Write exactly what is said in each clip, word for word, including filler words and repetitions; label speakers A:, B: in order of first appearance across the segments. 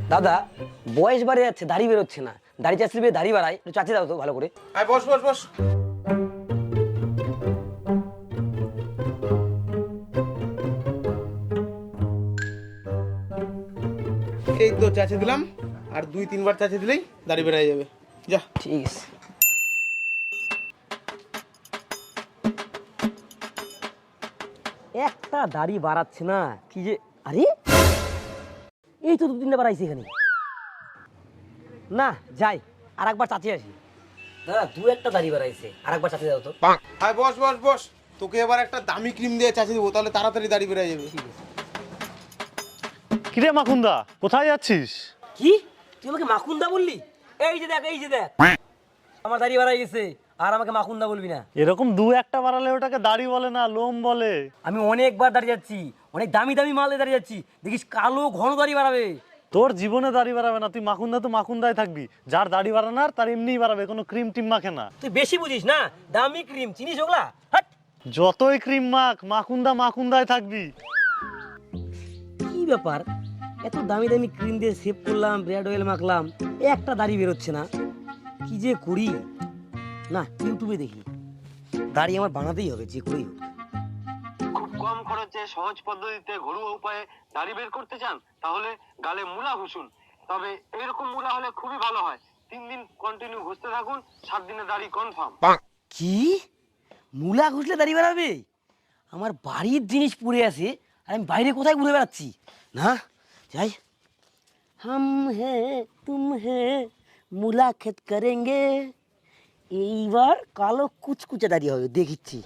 A: দাদা বয়স বাড়ে যাচ্ছে, দাড়ি বেরোচ্ছে না, দাড়ি চাষি দাড়ি বাড়ায়, একটু চাচি দাও তো ভালো করে।
B: আয় বস বস বস। এই তো চাচে দিলাম, আর দুই তিনবার চাচে দিলেই দাড়ি বেড়ে যাবে। যা।
A: ঠিক আছে। একটা দাড়ি বাড়াচ্ছে না, কি যে, আরে এই তো দু তিনটা বাড়াইছে এখানে। না যাই, আর একবার চাচি আসি। দাদা দু একটা দাড়ি বাড়াইছে, আর একবার চাচি দাও তো।
B: আয় বস বস বস, তোকে এবার একটা দামি ক্রিম দিয়ে চাচে দেবো, তাহলে তাড়াতাড়ি দাড়ি বেড়ে যাবে।
C: কিরে মাখুন্দা, কোথায় যাচ্ছিস?
A: কি তুই আমাকে মাখুন্দা বললি? এই যে দেখ, এই যে দেখ, আমার দাড়ি বাড়াই গেছে, আর আমাকে মাখুন্দা বলবি না।
C: এরকম দু একটা বাড়ালে ওটাকে দাড়ি বলে না, লোম বলে।
A: আমি অনেকবার দাঁড়িয়ে যাচ্ছি, অনেক দামি দামি মালে দাঁড়িয়ে যাচ্ছি, দেখিস কালো ঘন দাড়ি বাড়াবে।
C: তোর জীবনে দাড়ি বাড়াবে না, তুই মাখুন্দা তো মাখুন্দাই থাকবি। যার দাড়ি বাড়ানোর তার এমনিই বাড়াবে, কোনো ক্রিম টিম মাখে না।
A: তুই বেশি বুঝিস না, দামি ক্রিম চিনিস ওগুলা? হাট।
C: যতই ক্রিম মাখ, মাখুন্দা মাখুন্দাই থাকবি।
A: কি ব্যাপার, এত দামি দামি ক্রিম দিয়ে সেভ করলাম, ব্রেড অয়েল মাখলাম, একটা দাড়ি বেরোচ্ছে না, কি যে করি। না ইউটিউবে দেখি, দাড়ি আমার বানাতেই হবে যে করেই হোক।
D: খুব কম খরচে সহজ পদ্ধতিতে ঘরোয়া উপায়ে দাড়ি বের করতে চান, তাহলে গালে মুলা ঘষুন। তবে এরকম মুলা হলে খুবই ভালো হয়। তিন দিন কন্টিনিউ ঘষতে থাকুন, সাত দিনে দাড়ি কনফার্ম।
A: কি মুলা ঘুষলে দাড়ি বেরাবে? আমার বাড়ির জিনিস পড়ে আছে, আর আমি বাইরে কোথায় ঘুরে বেড়াচ্ছি? না যাই, হাম হে তুম হে মুলাকাত করেঙ্গে। এইবার কালো কুচকুচে দাড়ি হবে, দেখিচ্ছি।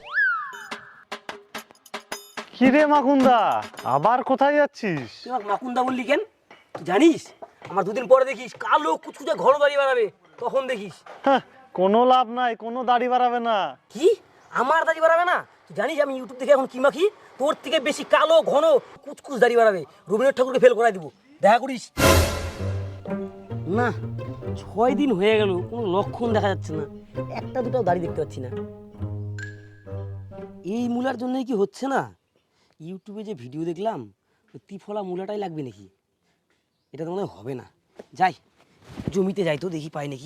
C: কিরে মাখুন্দা, আবার কোথায় যাচ্ছিস?
A: তুই আমাকে মাকুন্দা বললি কেন? তুই জানিস আমার দুদিন পরে দেখিস কালো কুচকুচে ঘন দাড়ি বাড়াবে, তখন দেখিস।
C: হ্যাঁ, কোনো লাভ নাই, কোনো দাড়ি বাড়াবে না।
A: কি আমার দাড়ি বাড়াবে না? তুই জানিস আমি ইউটিউব দেখে এখন কি মাখি? তোর থেকে বেশি কালো ঘন কুচকুচ দাড়ি বাড়াবে, রবীন্দ্রনাথ ঠাকুরকে ফেল করাই দিব, দেখা করিস। না ছয় দিন হয়ে গেল, কোনো লক্ষণ দেখা যাচ্ছে না, একটা দুটাও দাড়ি দেখতে পাচ্ছি না। এই মূলার জন্যই কি হচ্ছে না? ইউটিউবে যে ভিডিও দেখলাম, ওই ত্রিফলা মূলাটাই লাগবে নাকি? এটা তো মনে হয় হবে না। যাই জমিতে যাই তো, দেখি পাই নাকি।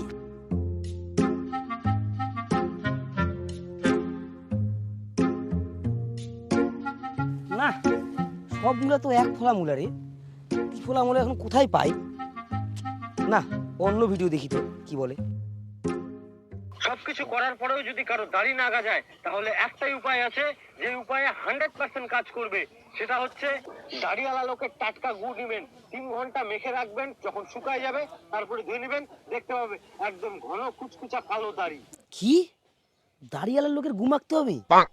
A: না সব মূলা তো এক ফলা মূলা রে, ত্রিফলা মূলা এখন কোথায় পাই? না অন্য ভিডিও দেখি তো কি বলে।
D: সবকিছু করার পরেও যদি কারো দাড়ি না গজায়, তাহলে একটাই উপায় আছে, যে উপায়ে হান্ড্রেড পার্সেন্ট কাজ করবে। সেটা হচ্ছে দাড়িওয়ালা লোকের টাটকা গুড় নেবেন, তিন ঘন্টা মেখে রাখবেন, যখন শুকায় যাবে তারপরে ধুয়ে নেবেন, দেখতে পাবে একদম ঘন কুচকুচা কালো দাড়ি।
A: কি দাড়িওয়ালার লোকের গু মাখতে হবে?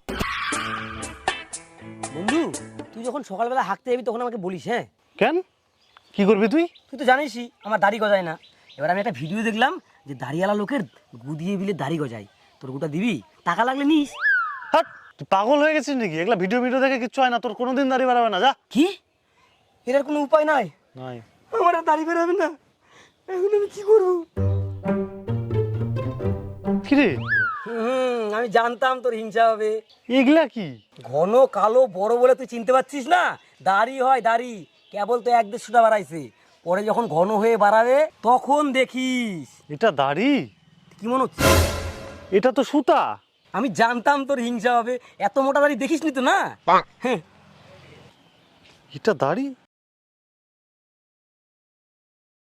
A: বন্ধু তুই যখন সকালবেলা হাঁকতে যাবি তখন আমাকে বলিস। হ্যাঁ
C: কেন, কি করবি তুই?
A: তুই তো জানিসই আমার দাড়ি গজায় না। এবার আমি একটা ভিডিও দেখলাম যে দাড়িওয়ালা লোকের গু দিয়ে বিলে দাড়ি গজায়, তোর গুটা দিবি, টাকা লাগলে নিস।
C: হাট, তুই পাগল হয়ে গেছিস নাকি? এগুলা ভিডিও ভিডিও দেখে কিচ্ছু হয় না, তোর কোনোদিন দাড়ি বাড়াবে না। যা।
A: কি এটার কোনো উপায় নাই?
C: নাই।
A: আমার আর দাড়ি বেরোবে না, এখন আমি কি করবো?
C: কিরে
A: হুম আমি জানতাম তোর হিংসা হবে।
C: এগুলা কি?
A: ঘন কালো বড় বলে তুই চিনতে পারছিস না? দাড়ি হয় দাড়ি, কেবল তো এক দেড়শোটা বাড়াইছে, পরে যখন ঘন হয়ে বাড়াবে তখন দেখিস।
C: এটা দাড়ি?
A: কি মনে হচ্ছে?
C: এটা তো সুতা।
A: আমি জানতাম তোর হিংসা হবে, এত মোটা দাড়ি দেখিস নি তো না। হ্যাঁ
C: এটা দাড়ি?